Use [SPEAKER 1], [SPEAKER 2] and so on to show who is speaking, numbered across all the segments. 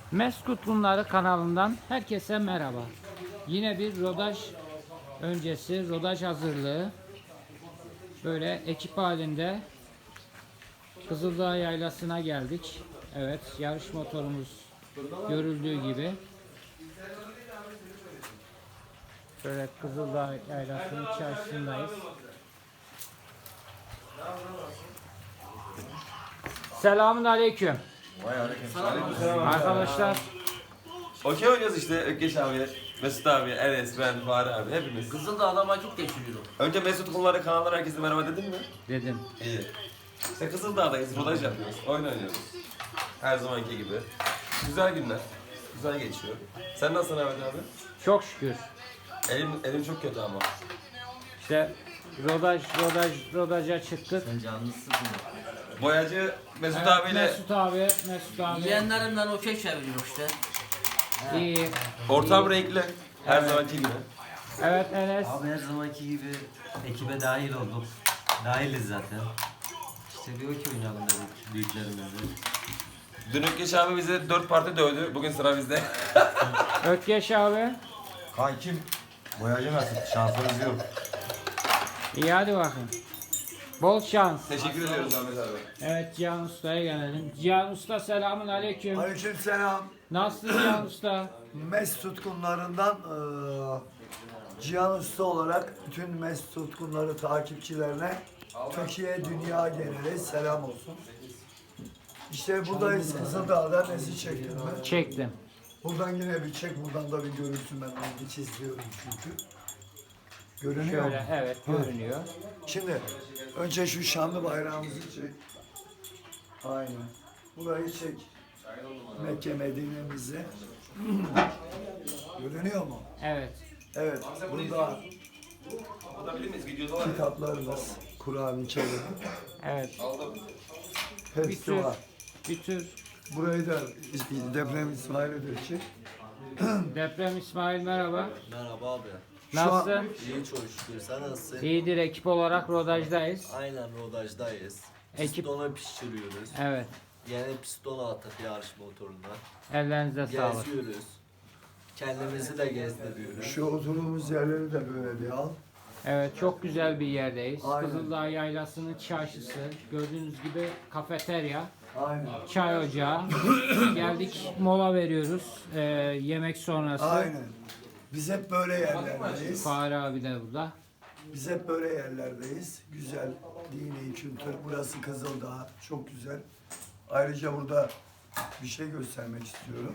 [SPEAKER 1] Meskut Bunları kanalından herkese merhaba. Yine bir rodaj öncesi, rodaj hazırlığı. Böyle ekip halinde Kızıldağ Yaylası'na geldik. Evet, yarış motorumuz görüldüğü gibi. Şöyle Kızıldağ Yaylası'nın içerisindeyz. Selamun aleyküm.
[SPEAKER 2] Vay aleyküm.
[SPEAKER 1] Arkadaşlar,
[SPEAKER 2] Okey oynuyoruz işte Ökkeş abi, Mesut abi, Enes, ben, Fahri abi hepimiz.
[SPEAKER 3] Kızıldağ'da vakit geçiriyorum.
[SPEAKER 2] Önce Mesut Kumları kanallar herkese merhaba dedin mi?
[SPEAKER 1] dedim.
[SPEAKER 2] İyi. İşte Kızıldağ'dayız, rodaj yapıyoruz, oyun oynuyoruz. Her zamanki gibi. Güzel günler. Güzel geçiyor. Sen nasılsın Ahmet abi?
[SPEAKER 1] Çok şükür.
[SPEAKER 2] Elim çok kötü ama.
[SPEAKER 1] İşte rodaja çıktık.
[SPEAKER 3] Sen canlısın.
[SPEAKER 2] Boyacı Mesut
[SPEAKER 1] Evet,
[SPEAKER 2] abiyle
[SPEAKER 1] Mesut abi.
[SPEAKER 3] Yeğenlerimden okey çeviriyor işte.
[SPEAKER 1] İyi.
[SPEAKER 2] ortam renkli. Her zamanki gibi.
[SPEAKER 1] Evet Enes.
[SPEAKER 4] Abi her zamanki gibi ekibe dahil olduk. Dahiliz zaten. İşte bir okey oynayalım dedik büyüklerimizle.
[SPEAKER 2] Dün Ökkeş abi bize 4 parti dövdü. Bugün sıra bizde.
[SPEAKER 1] Ökkeş abi.
[SPEAKER 5] Kankim boyacı nasıl? Şansınız yok.
[SPEAKER 1] İyi hadi bakayım. Bol şans.
[SPEAKER 2] Teşekkür ediyoruz Ahmet abi.
[SPEAKER 1] Evet Cihan Usta'ya gelelim. Cihan Usta selamun aleyküm.
[SPEAKER 6] Aleykümselam.
[SPEAKER 1] Nasılsın Cihan Usta?
[SPEAKER 6] Mes tutkunlarından Cihan Usta olarak bütün Mes tutkunları takipçilerine Türkiye, dünya geneli selam olsun. İşte buradayız Kızıldağ'da nesi çektim ben.
[SPEAKER 1] Çektim.
[SPEAKER 6] Buradan yine bir çek, buradan da bir görüntü ben onu hiç izliyorum çünkü. Görünüyor
[SPEAKER 1] Şöyle
[SPEAKER 6] mu?
[SPEAKER 1] evet görünüyor.
[SPEAKER 6] Şimdi önce şu şanlı bayrağımızı çek. Aynen. Burayı çek. Mekke Medine'mizi. Görünüyor mu?
[SPEAKER 1] Evet.
[SPEAKER 6] Evet. Burada
[SPEAKER 2] Alabilir miyiz? Videoda var ya.
[SPEAKER 6] kitaplarımız, Kur'an-ı Kerim.
[SPEAKER 1] Evet. Bir
[SPEAKER 6] Hepsi
[SPEAKER 1] tür,
[SPEAKER 6] var.
[SPEAKER 1] bir tür
[SPEAKER 6] Burayı da deprem İsmail'e çek.
[SPEAKER 1] Deprem İsmail merhaba.
[SPEAKER 4] Merhaba abi.
[SPEAKER 6] Şu an-
[SPEAKER 1] Nasılsın?
[SPEAKER 4] İyi çok şükür. Sen nasılsın?
[SPEAKER 1] İyidir, ekip olarak rodajdayız.
[SPEAKER 4] Aynen rodajdayız.
[SPEAKER 1] Ekip-
[SPEAKER 4] Pistonu pişiriyoruz.
[SPEAKER 1] Evet.
[SPEAKER 4] Yeni piston attık yarış motoruna.
[SPEAKER 1] Ellerinize sağlık.
[SPEAKER 4] Geziyoruz. Kendimizi de gezdiriyoruz.
[SPEAKER 6] Şu oturduğumuz yerleri de böyle bir al.
[SPEAKER 1] Evet, çok güzel bir yerdeyiz.
[SPEAKER 6] Aynen.
[SPEAKER 1] Kızıldağ Yaylası'nın çarşısı. Gördüğünüz gibi kafeterya,
[SPEAKER 6] Aynen.
[SPEAKER 1] çay ocağı. Geldik, mola veriyoruz yemek sonrası.
[SPEAKER 6] Aynen. Biz hep böyle yerlerdeyiz.
[SPEAKER 1] Fahri abi de burada.
[SPEAKER 6] Biz hep böyle yerlerdeyiz. Güzel, dini kültür. Burası Kızıldağ. Çok güzel. Ayrıca burada bir şey göstermek istiyorum.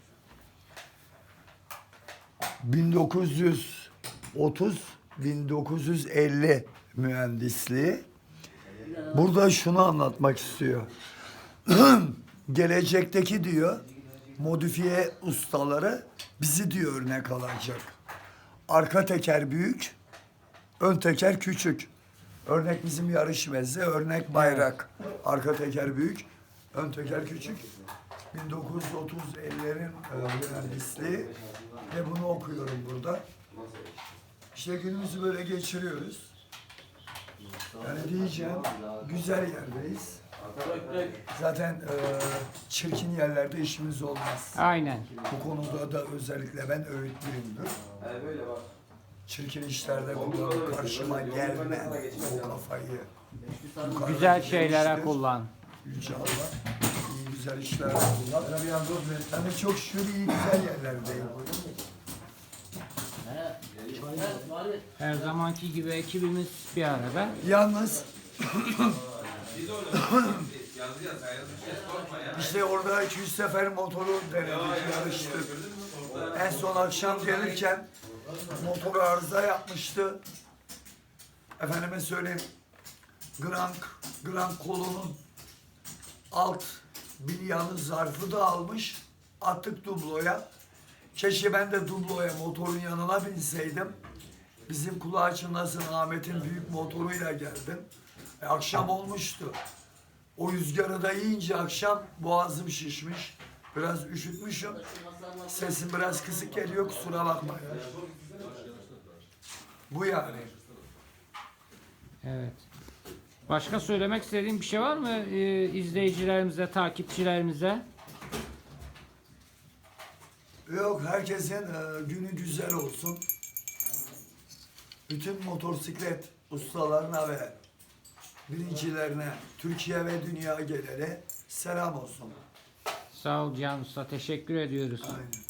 [SPEAKER 6] 1930-1950 mühendisliği. Burada şunu anlatmak istiyor. Gelecekteki diyor modifiye ustaları bizi diyor örnek alacak. Arka teker büyük, ön teker küçük. Örnek bizim yarış meze, örnek bayrak. Arka teker büyük, ön teker küçük. 1930-50'lerin mühendisliği ve bunu okuyorum burada. İşte günümüzü böyle geçiriyoruz. Yani diyeceğim, güzel yerdeyiz. Zaten çirkin yerlerde işimiz olmaz.
[SPEAKER 1] Aynen.
[SPEAKER 6] Bu konuda da özellikle ben öğütlüyümdür. Çirkin işlerde kullanıp karşıma gelme o kafayı. Yukarıda
[SPEAKER 1] Güzel şeylere
[SPEAKER 6] işler,
[SPEAKER 1] kullan.
[SPEAKER 6] Yüce Allah iyi güzel işler kullan. Yani çok şükür iyi güzel yerlerdeyim.
[SPEAKER 1] Her zamanki gibi ekibimiz bir arada.
[SPEAKER 6] Yalnız işte orada 200 sefer motoru denedik, yarıştık. En son akşam gelirken motor arıza yapmıştı. Efendime söyleyeyim, Grand kolunun alt bilyanı zarfı da almış. Attık dubloya. Keşke ben de dubloya motorun yanına binseydim. Bizim kulağı çınlasın Ahmet'in büyük motoruyla geldim. Akşam olmuştu. O rüzgarı da yiyince akşam boğazım şişmiş. Biraz üşütmüşüm. Sesim biraz kısık geliyor, kusura bakmayın. Bu yani.
[SPEAKER 1] Evet. Başka söylemek istediğin bir şey var mı izleyicilerimize, takipçilerimize?
[SPEAKER 6] Yok, herkesin günü güzel olsun. Bütün motosiklet ustalarına ve birincilerine, Türkiye ve dünya geneli selam olsun.
[SPEAKER 1] Sağ ol Cihan Usta. Teşekkür ediyoruz.
[SPEAKER 6] Aynen.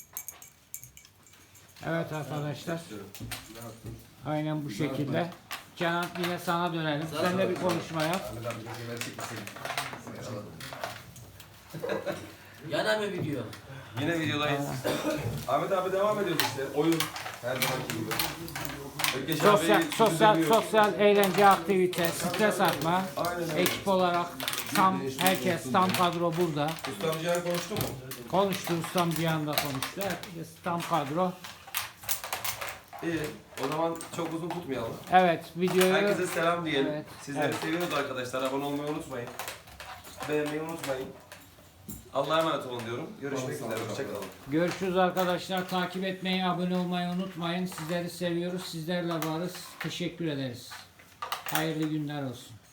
[SPEAKER 1] Evet arkadaşlar. Aynen bu şekilde. Canan yine sana dönelim. Sen de bir konuşma yap.
[SPEAKER 3] Yana mı video?
[SPEAKER 2] Yine videodayız. Ahmet abi devam ediyoruz işte. Oyun her zamanki gibi. Ökkeş
[SPEAKER 1] Sosyal,
[SPEAKER 2] abi
[SPEAKER 1] sosyal,
[SPEAKER 2] düzenliyor.
[SPEAKER 1] sosyal eğlence, aktivite, stres atma.
[SPEAKER 2] Aynen öyle.
[SPEAKER 1] Ekip olarak herkes tam kadro burada.
[SPEAKER 2] Ustam Cihan konuştu mu?
[SPEAKER 1] Konuştu, ustam Cihan da konuştu. Herkes tam kadro.
[SPEAKER 2] İyi. O zaman çok uzun tutmayalım.
[SPEAKER 1] Evet, videoyu
[SPEAKER 2] Herkese selam diyelim.
[SPEAKER 1] Evet,
[SPEAKER 2] Sizleri
[SPEAKER 1] evet.
[SPEAKER 2] seviyoruz arkadaşlar. Abone olmayı unutmayın. Beğenmeyi unutmayın. Allah'a emanet olun diyorum. Görüşmek üzere. Hoşçakalın.
[SPEAKER 1] görüşürüz arkadaşlar. Takip etmeyi, abone olmayı unutmayın. Sizleri seviyoruz. Sizlerle varız. Teşekkür ederiz. Hayırlı günler olsun.